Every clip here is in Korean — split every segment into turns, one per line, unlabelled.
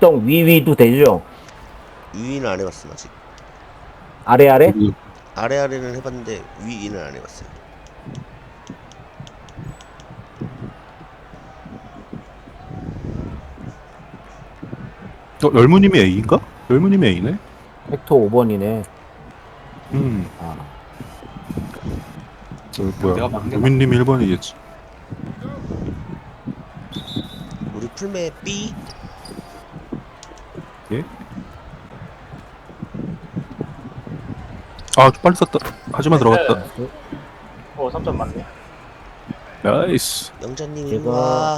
뒷동 위위도 되죠?
위는 안 해봤음 아직.
아래?
아래는 해봤는데 위는 안 해봤어요.
열무님이 A인가? 열무님이 A네.
벡터 5번이네. 아,
뭐야?
내가 막내
유민님이 1번이겠지.
우리 풀메 B.
예? 좀 빨리 썼다. 하지만 들어갔다.
3점 맞네.
나이스.
영자님
제가-
일로와.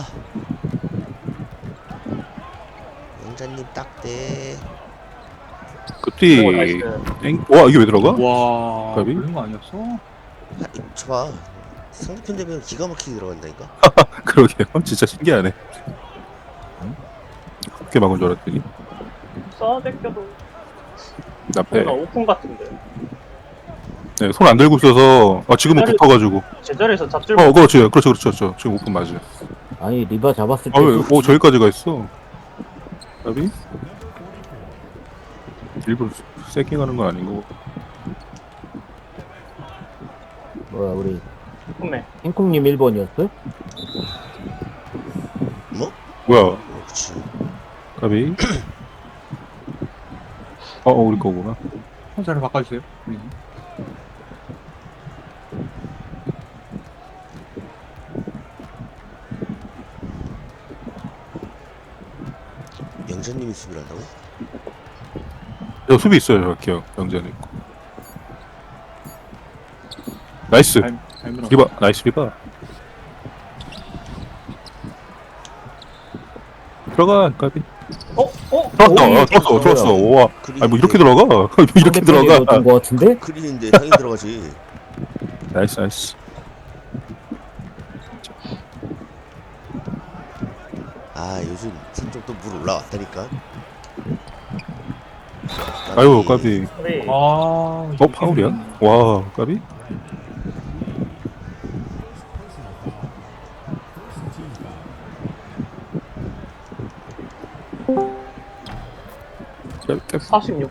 영자님 딱대.
끝이.
나이스.
와, 이게 왜 들어가?
와,
가비?
그런 거 아니었어?
저봐. 상대편 되면 기가 막히게 들어간다니까.
그러게요. 진짜 신기하네. 어떻게 막은 줄 알았더니.
써대껴도
나패.
뭔가 오픈 같은데.
네, 손 안 들고 있어서. 지금은 붙어가지고.
제자리에서 잡질
그렇죠. 지금 오픈 맞아요.
아니 리바 잡았을 때.
왜? 저기까지 가 있어. 가비? 일부러 세킹하는 건 아닌 거고.
뭐야 우리
오픈매.
행콩님 1번이었어요?
뭐?
뭐야?
그렇지.
가비? 우리 거구나.
자리 바꿔주세요.
영자님이 수비를 한다고?
수비 있어요, 저기요. 영재는 있고. 나이스. 리바, 나이스 리바. 들어가, 가비. 들어왔어. 와. 뭐 이렇게 들어가? 이렇게 들어가?
거 같은데?
그린인데 당연히 들어가지.
나이스.
요즘 산쪽 또 물 올라왔다니까.
아유, 가비. 파울이야? 와, 가비? 짧게.
46.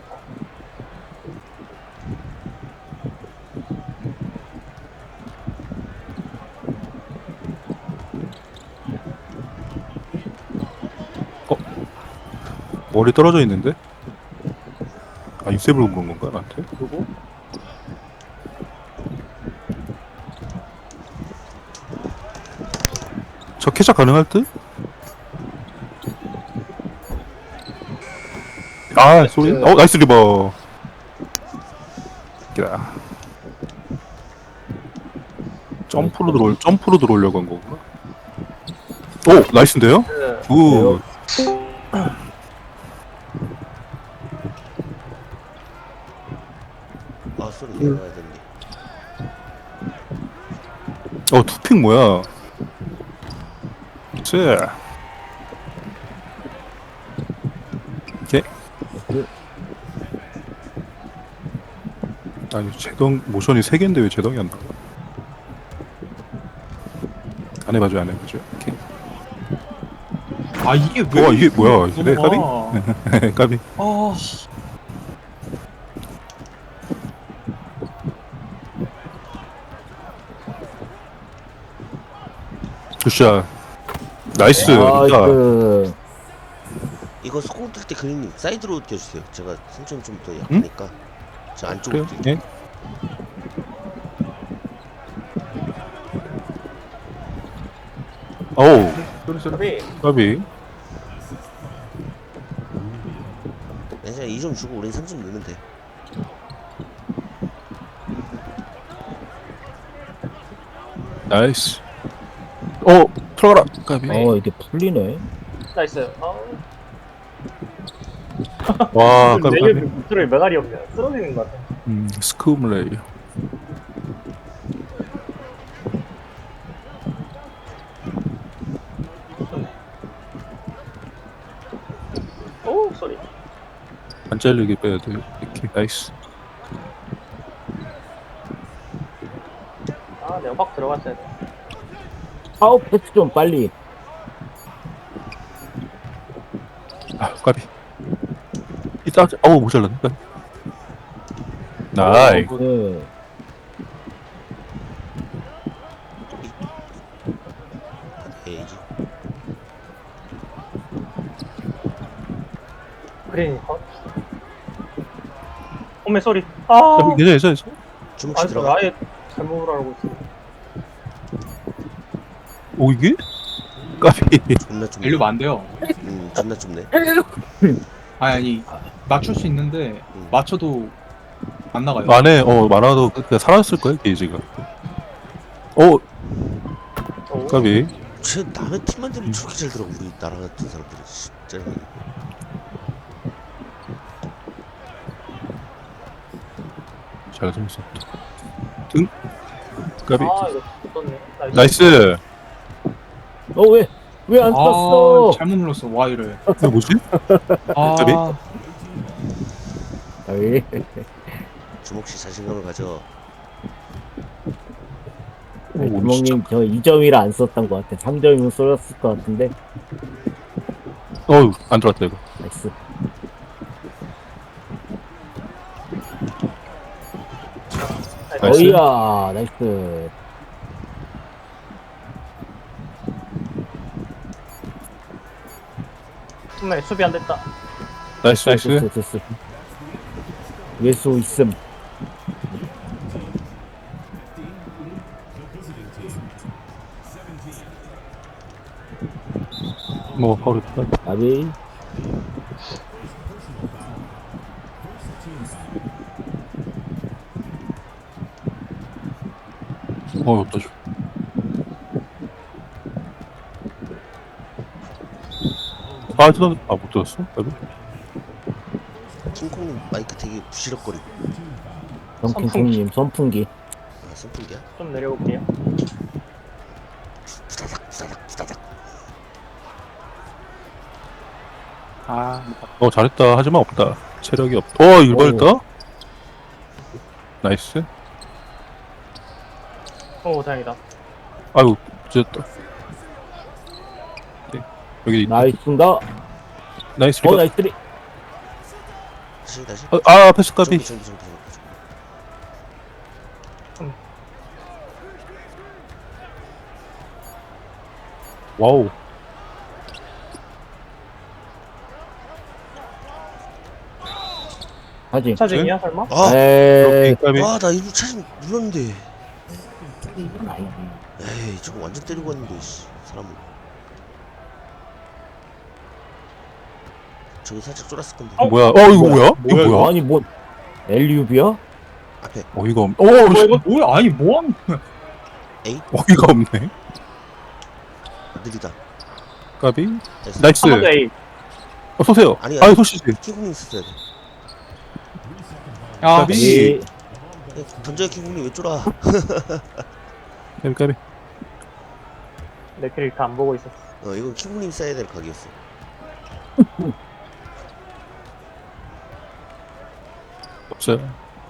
머리 떨어져 있는데? 입세불 온 건가, 나한테?
누구?
저 캐샷 가능할 듯? 소리? 나이스 리버. 야. 점프로 들어오려고 한 거구나. 나이스인데요? 굿.
소리 내려가야 되는데.
투픽 뭐야? 자. 오케이. 아니, 제동, 모션이 3개인데 왜 제동이 안 나와? 안 해봐줘. 오케이.
이게 왜?
이게 뭐야? 이게 까비? 까비. 굿샷. 나이스.
이거 소공 뜰 때 그린님 사이드로 뛰어주세요. 제가 선점 좀 더 약하니까. 저 안쪽으로
그래요?
뛰어.
예? 까비.
그냥 2점 주고 우린 3점 넣으면 돼.
나이스. 들어가라. 까비.
이게 풀리네.
나이스.
와, 까비.
내게 밑으로 메갈이 없냐? 쓰러지는 것 같아.
스쿠블레이.
쏘리.
안 잘리게 빼야 돼. 이렇게. 나이스.
내가 확 들어갔어야 돼.
파워 패스 좀 빨리.
까비. 이따, 어우, 못 잘랐네. 까비. 나이.
네.
에이지.
그린이 컷. 홈에 소리. 아,
괜찮아.
주먹씩
아,
들어가.
아예 잘못을 알고 있어.
오, 이게? 까비.
존나 좁네.
밸류가 안 돼요.
존나 좁네.
아니 맞출 수 있는데 맞춰도 안 나가요.
안에, 많아도 그냥 사라졌을 거야, 게이지가.
오.
까비.
쟤 남의 팀만 되면 저렇게 잘 들어. 우리 나라 같은 사람들이 진짜.
잘 숨었어. 등? 까비.
아, 이거 떴네.
나이스.
왜 안 떴어?
잘못 눌렀어 Y를.
이거 뭐지? 갑자기?
아,
아이,
주먹씨 자신감을 가져.
주먹님 저 2점이라 안 썼던 것 같아. 3점이면 쏠았을 것 같은데.
어우, 안 들어왔다, 이거.
나이스.
나이스.
어이야, 나이스.
정말 수비 안 됐다.
나이스.
됐어. 예수 있음.
뭐, 바로,
아비.
또 줘. 못 들었어? 까비?
킹콩님 마이크 되게 부시럭거리고.
정킹콩님 선풍기.
아, 선풍기야?
좀 내려볼게요.
부다닥.
아,
잘했다. 하지만 없다. 체력이 없다. 일반했다? 나이스.
오, 다행이다.
아이고, 찢었다. 네, 여기 있다.
나이스인가?
나이스.
나이스.
다시.
패스 까비.
정비.
와우.
하지.
차징이야, 설마?
아,
에이.
까비.
나 일부 차징 눌렀는데.
아이고.
에이, 저거 완전 때리고 왔는데, 씨. 사람을. 저기 살짝 쫄았을 건데.
뭐야? 이거 뭐야? 이거 뭐야?
아니 뭐 엘리우비야?
앞에.
어이가 없네.
이거 뭐야? 아니 뭐 하는 거야?
어이가 없네.
느리다.
까비.
나이스.
나이스.
한 번 더 A.
쏘세요.
아니,
소시지.
킹콩님 썼어야 돼.
아,
까비.
이
던져요, 킹콩님 왜 쫄아?
까비.
내 캐릭터 안 보고 있었어.
이건 킹콩님 써야 될 각이었어.
없어요.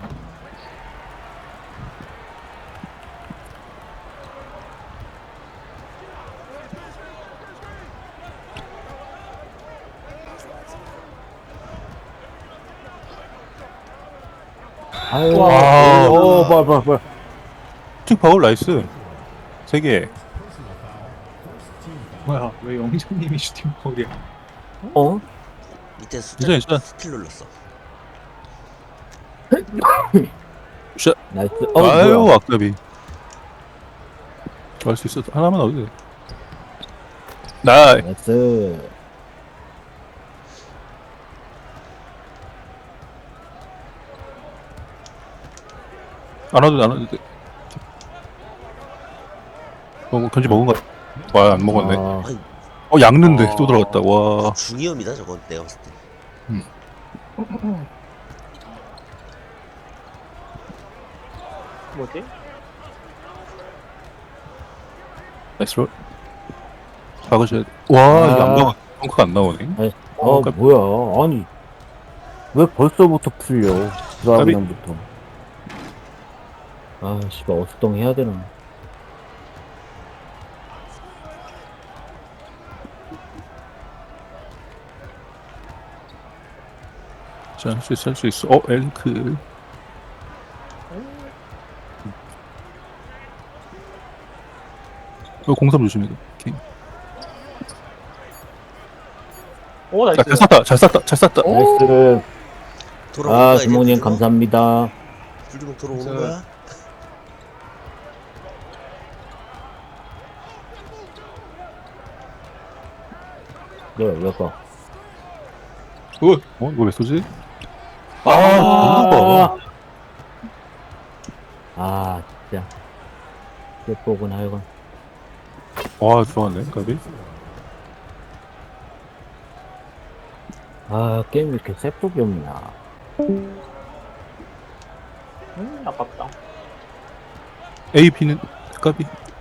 아유.
와우.
뭐야.
슈팅 파울 나이스. 3개.
뭐야? 왜 영정님이 슈팅 파울이야?
어?
밑에 숫자
괜찮아.
스킬 눌렀어.
나이스.
아유,
뭐야.
아까비. 할 수 있어. 하나만 넣어도 돼. 나이.
나이스.
안 와도 돼. 견지 먹은 거 같아. 와, 안 먹었네.
아,
양는데 또 들어갔다. 와.
중이염이다 저건 내가 봤을 때.
뭐지?
나이스 롤. 박으셔야 돼. 와, 이게 안
아.
나와. 펑크가 안 나오네.
뭐야. 아니. 왜 벌써부터 풀려. 드라그남부터. 아, 씨발, 어수동 해야 되나.
자, 할 수 있어, 할 수 있어. 엘크. 공삼 조심해. 오케이.
오
자,
나이스.
잘 쐈다, 잘 쐈다, 잘 쐈다.
나이스.
돌아오는
아,
거야, 이제
주몽님
불주먹?
감사합니다.
불주먹 돌아오는
저-
거야?
왜 가?
굿.
이거 왜 쏘지?
아, 아, 진짜. 예쁘구나, 하여간.
와, 들어갔네, 까비.
아, 게임이 이렇게 세폭이 없나.
아깝다.
AP는 까비.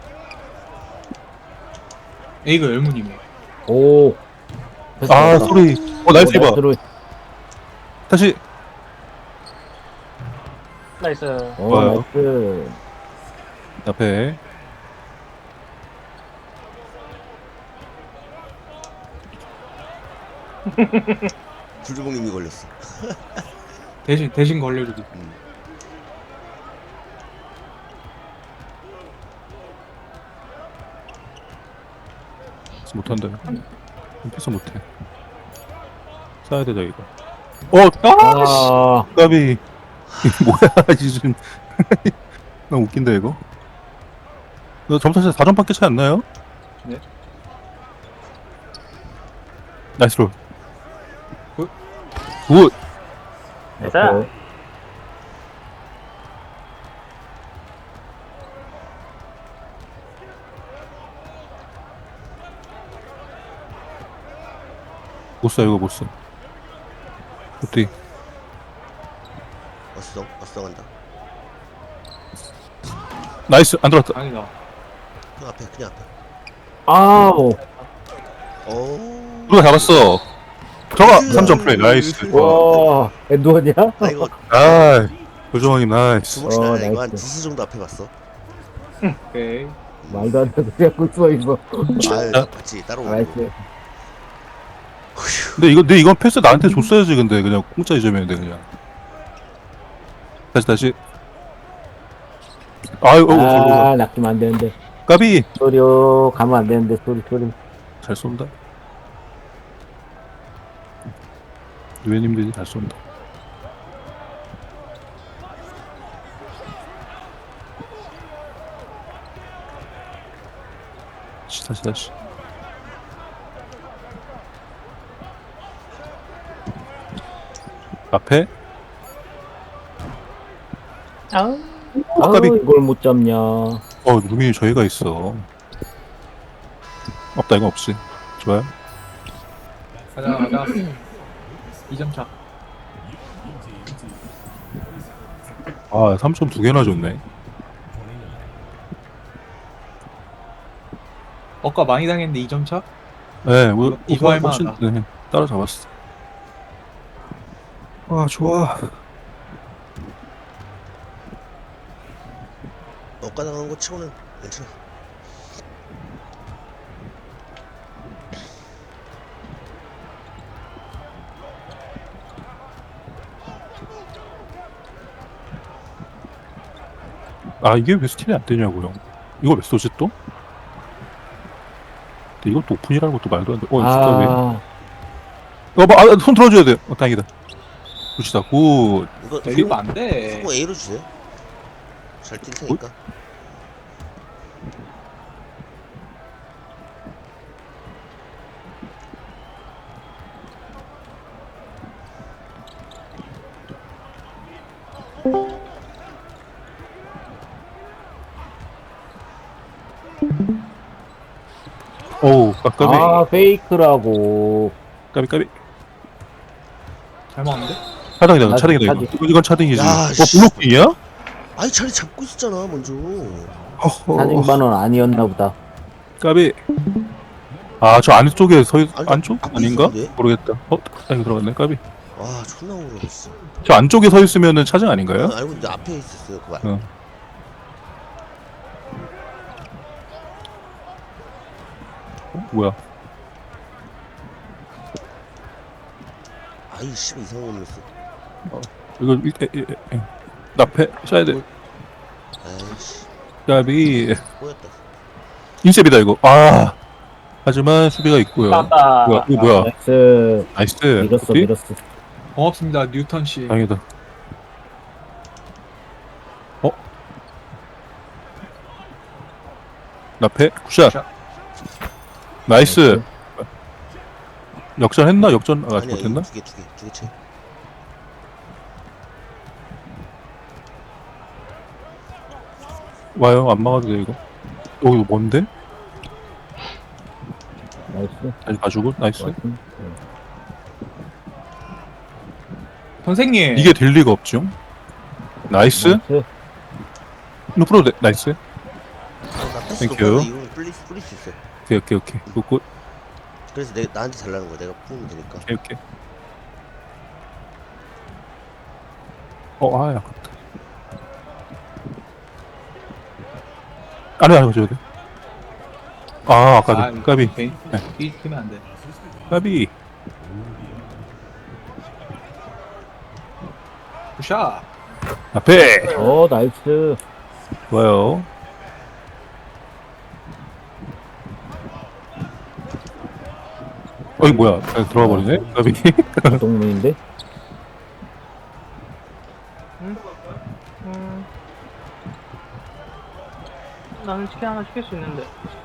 A가 열무님이에요.
오.
아, 소리. 나이스 이봐. 다시.
나이스.
좋아요.
나이스.
앞에.
불주먹님이 걸렸어.
대신 걸려주기.
못한다. 패스 못해. 쏴야 되다 이거.
아,
까비. 뭐야 지금. 너무 웃긴다 이거. 너 점수 차이 4점밖에 차이 안 나요?
네.
나이스 롤.
굿.
굿.
나이스.
못 쏴 이거 못 쏴. 어때?
어스덩 한다.
나이스 안 들어왔다.
아니다.
그냥 앞에.
아우.
오.
누가 잡았어? 저가 3점 플레이 나이스.
와, 엔도냐?
나 이거
아, 조정왕님 나이스.
주먹 시간에 이거 한
나이스.
두수 정도 앞에 봤어.
오케이.
말도 안 되고 그냥 꿀써 있어.
아유, 맞지. 따로 오고.
나이스.
근데 이건 패스 나한테 줬어야지 근데 그냥 공짜 2점이었는데 그냥. 다시. 아유,
아, 낚이면 안 되는데.
까비.
소리요, 가면 안 되는데, 소리.
잘 쏜다. 유해님들이 잘 쏜다. 다시. 앞에
아우.
아우,
까비.
이걸 못 잡냐.
루민이 저희가 있어. 없다 이거 없지. 좋아요.
가자. 2점 차.
3점 2개나 줬네.
아까 많이 당했는데 2점 차?
네,
이거 할 만하다.
네, 따라잡았어. 좋아.
엇가당한 거 치고는 괜찮아.
이게 왜 스틸이 안 되냐고요. 이거 왜 쏘지 또? 근데 이것도 오픈이라는 것도 말도 안 돼. 진짜 왜? 손 들어줘야 돼. 다행이다. 굿이다, 굿.
이거
때리면 안 돼.
성공 A로 주세요. 잘 뛸 테니까.
까비.
페이크라고.
까비.
잘 먹었는데?
차등이다, 차등이다, 이거. 이건 차등이지.
야, 씨.
블록킹이야?
아니 자리 잡고 있었잖아 먼저.
사진반원 아니었나 보다.
까비. 저 안쪽에
아니,
안쪽?
앞에
아닌가?
있었는데?
모르겠다. 이거 들어갔네, 까비.
와 존나 오르겠어.
저 안쪽에 서 있으면은 차등 아닌가요?
알고 있는데 앞에 있었어요 그 말.
뭐야?
아이 씨발 이상한 놈이었어.
이거 나패 쏴야 돼.
아이씨
까비.
꼬였다.
인셉이다 이거. 아. 하지만 수비가 있고요.
나왔다.
뭐야? 이거 뭐야?
나이스.
나이스.
밀었어,
커피?
밀었어.
고맙습니다 뉴턴 씨.
다행이다. 나패 굿샷.
굿샷.
나이스. 역전했나? 역전 아직
아니야
못했나?
두개 채.
와요. 안 막아도 돼 이거. 이거 뭔데?
나이스.
다시 봐주고 나이스.
나이스.
선생님.
이게 될 리가 없죠. 나이스.
나이스.
루프로 나이스.
나 패스
땡큐.
높아서 이거는 뿌릴 수 있어.
오케이. 굿.
그래서 나한테 잘라는 거야. 내가 뿌리면 되니까.
오케이. 아깝다. 안에 줘야 돼. 까비.
이 크면 안 돼.
까비.
굿샷.
앞에
나이스.
좋아요. 어이 뭐야? 그냥 들어가 버리네. 까비.
동문인데?
나는 치킨 하나 시킬 수 있는데.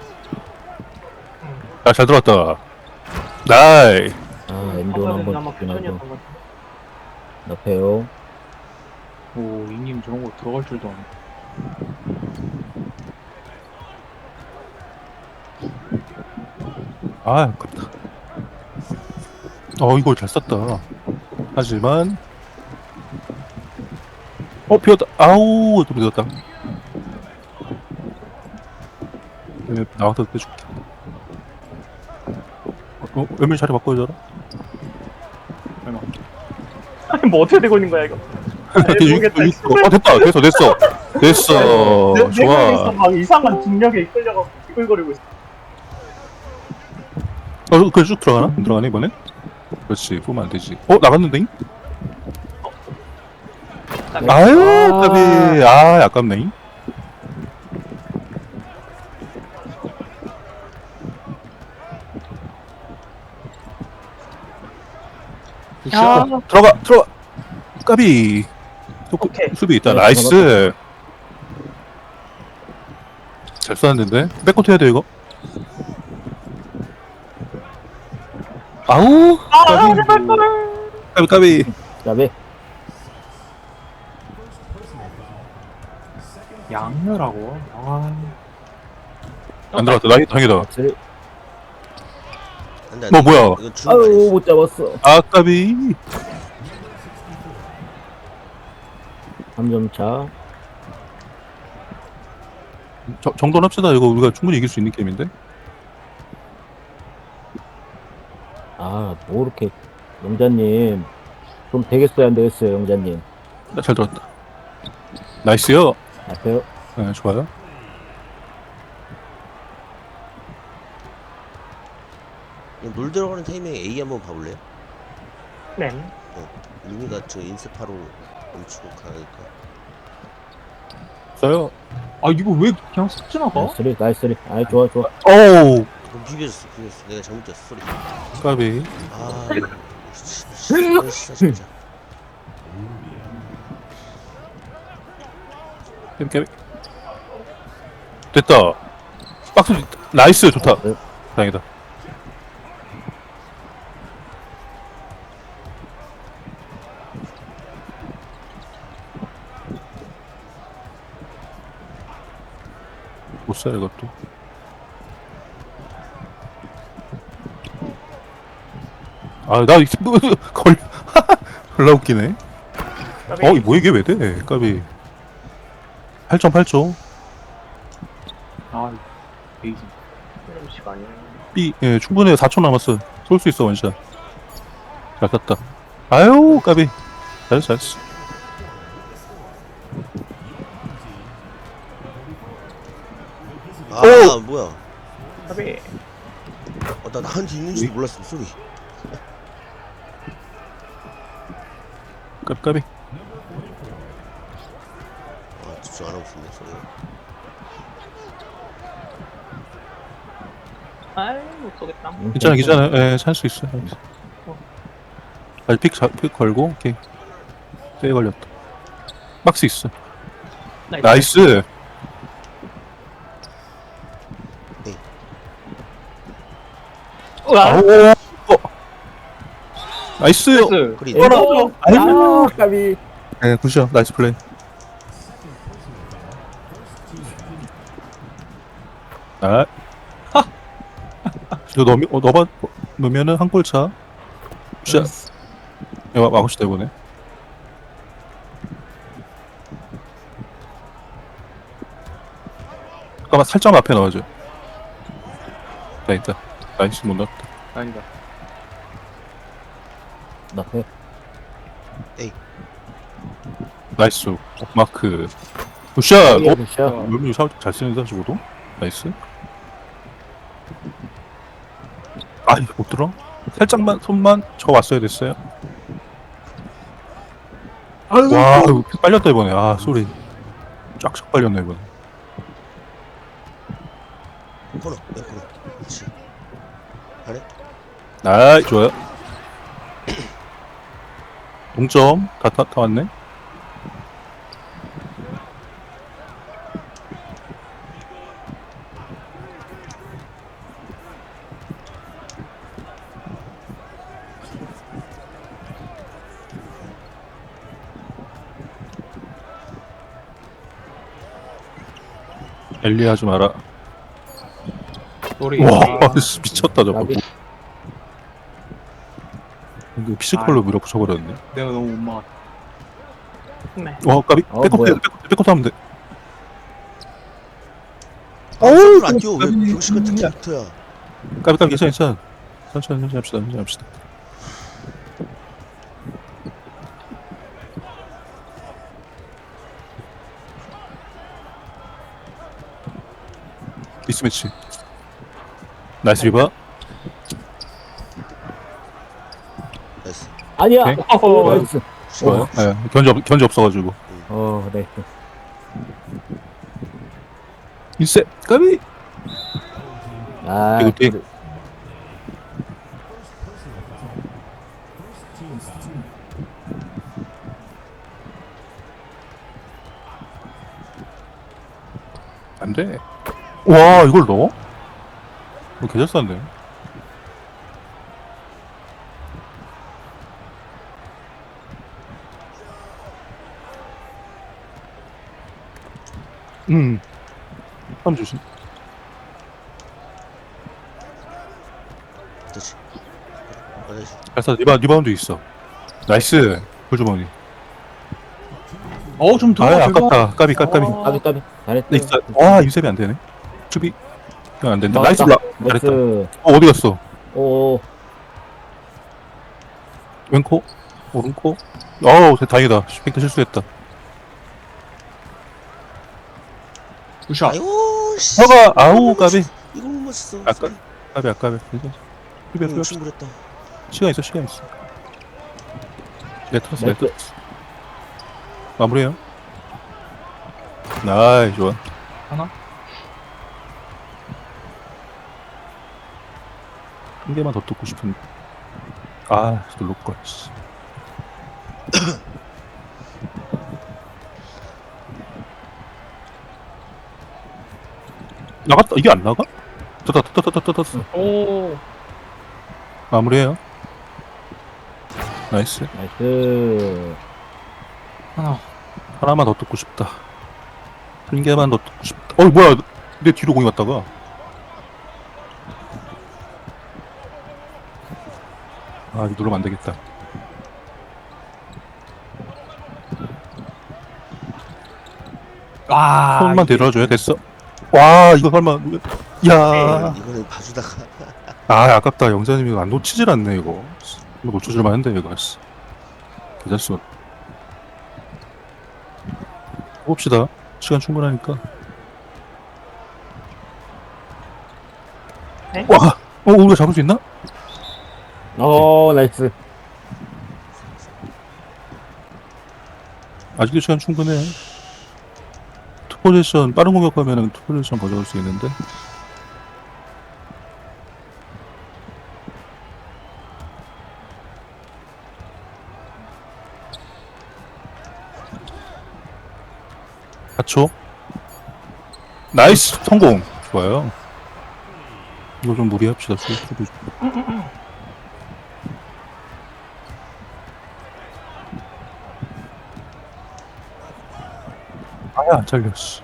잘 들어왔다. 나이.
엔돈 한번
아마
죽긴 하고.
퓨전이었던 것 같아.
나패요.
오 이님 저런 거 들어갈 줄도 아네.
아깝다. 이거 잘 쐈다. 하지만 비었다. 아우 좀 늦었다. 나와서 빼줄게. 웬밀 자리 바꿔줘라.
얼마.
아니 뭐 어떻게 되고 있는 거야 이거? 모르겠다.
됐어.
내
좋아.
있어 막 이상한 중력에 이끌려가 이끌거리고 있어.
그래 쭉 들어가나? 안 들어가네 이번에? 그렇지. 보면 안 되지. 나갔는데? 아유 까비. 아깝네.
아,
들어가. 까비.
오케이.
수비 있다.
네,
나이스. 잘 쏘았는데. 백코트 해야 돼 이거. 아우. 까비.
나배.
양녀라고.
안 들어갔다. 다행이다.
나이스.
안 돼, 안 돼.
뭐야?
이건 주는 거 아니었어.
못 잡았어.
까비.
3점 차.
정돈 합시다. 이거 우리가 충분히 이길 수 있는 게임인데.
뭐 이렇게. 영자님. 좀 되겠어요, 안 되겠어요, 영자님.
잘 들었다. 나이스요.
나패요.
네, 좋아요.
놀 들어가는 타이밍에 A 한번 봐볼래요?
네.
루미가 저 인스파로 멈추고 가니까.
써요.
이거 왜 그냥 쓱 지나가?
나이스. 좋아.
오우.
그럼 비벼줬어. 내가 잘못 줬어. 소리.
까비.
진짜 진짜.
깨비. 됐다. 박스 나이스 좋다.
네.
다행이다. 못 쏴 이것도. 나 걸 졸라 웃기네. 뭐 이게 왜 돼? 까비. 8.8초.
베이징.
이런 시간이.
B 충분해. 4초 남았어. 쏠 수 있어 원샷. 잘 땄다. 아유 까비. 잘했어.
뭐야?
까비.
나 나한테 있는지도 몰랐어. 소리.
깝깝이.
아, 집중 안 하고 있었네. 소리.
아이 못 쏘겠다.
괜찮아, 괜찮아. 예, 살 수 있어. 아직 픽 걸고, 오케이. 세게 걸렸다. 박스 있어. 나이스!
우와.
아우, 나이스!
나이스.
그리.
떨어져.
아, 까비.
네, 굿이요. 나이스 플레이. 아. 이거 넣으면은 한 골 차. 굿샷. 이거 막읍시다, 이번에. 잠깐만, 살짝 앞에 넣어줘. 나 있다. 나이스 못 넣었다.
아니다.
나 해.
나이스. 마크. 굿샷! 어?
굿샷.
롤미 잘 쓰는다, 저거도? 나이스. 아이, 못 들어? 살짝만, 손만 저 왔어야 됐어요. 와, 이거 픽 빨렸다, 이번에. 아, 쏘리. 쫙쫙 빨렸네, 이번에.
코너. 네, 코너. 그렇지. 아래?
아이, 좋아요. 동점. 다 왔네. 엘리 하지 마라.
소리.
와,
아,
미쳤다, 저거.
까비.
이거 피지컬로 밀어붙여버렸네.
내가 너무 못 막았다.
네.
와, 까비.
어,
백업
뭐야.
돼. 백업 하면 돼.
어우, 안 뛰어. 왜 병신 같은 캐릭터야.
까비, 괜찮아. 천천히 합시다. 미스매치. 나이스 리바.
나이스.
아니야.
오케이.
어허.
나이스.
좋아요. 예, 견제 없어가지고.
네.
인세, 까비.
아,
이거 돼. 안 돼. 와, 이걸 넣어? 이거 개잘 쌌네. 한번 조심.
그렇지. 나이스.
알았어, 리바운드 있어. 나이스. 골주머니.
좀 더.
아, 아깝다. 까비.
까비. 잘했다.
네, 있어. 와, 인셉이 안 되네. 수비. 이건 안 된다. 나이스.
나왔다.
잘했다.
나이스.
어디 갔어?
오,
왼코? 오른코? 어우, 다행이다. 슈펙트 실수했다.
굿샷.
아이고, 씨.
허가, 아우, 까비.
이걸 못 맞췄어.
아까? 까비. 수비.
충분했다.
시간 있어. 레터스. 마무리해요. 나이, 좋아.
하나?
한 개만 더 뜯고 싶은데. 아, 놀랄걸. 나갔다. 이게 안 나가? 떴다.
오.
마무리해요. 나이스.
나이스.
하나만 더 뜯고 싶다. 한 개만 더 뜯고 싶다. 뭐야. 내 뒤로 공이 갔다가. 아, 이거 누르면 안 되겠다. 손만 데려줘야 됐어. 와, 이거 설마. 야.
이거는 봐주다가.
아, 아깝다. 영자님이 안 놓치질 않네, 이거. 이거 놓쳐줄 만한데, 이거. 괜찮어. 해봅시다. 시간 충분하니까.
네?
와! 우리가 잡을 수 있나? 아직도 시간 충분해. 투포지션 빠른 공격하면은 투포지션 가져갈 수 있는데. 초 나이스 성공. 좋아요. 이거 좀 무리합시다. 아야 안 잘렸어.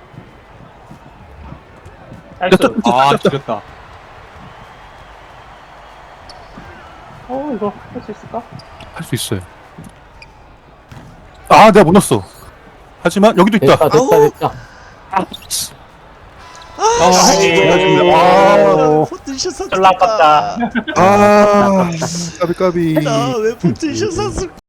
나이스.
아 지렸다.
이거 할 수 있을까?
할 수 있어요. 아 내가 못 넣었어. 하지만 여기도 있다.
됐다 됐다
아우.
됐다.
아,
포트샷 샀을까?
졸라 아깝다.
아, 까비 까비.
나왜 포트샷 샀을까?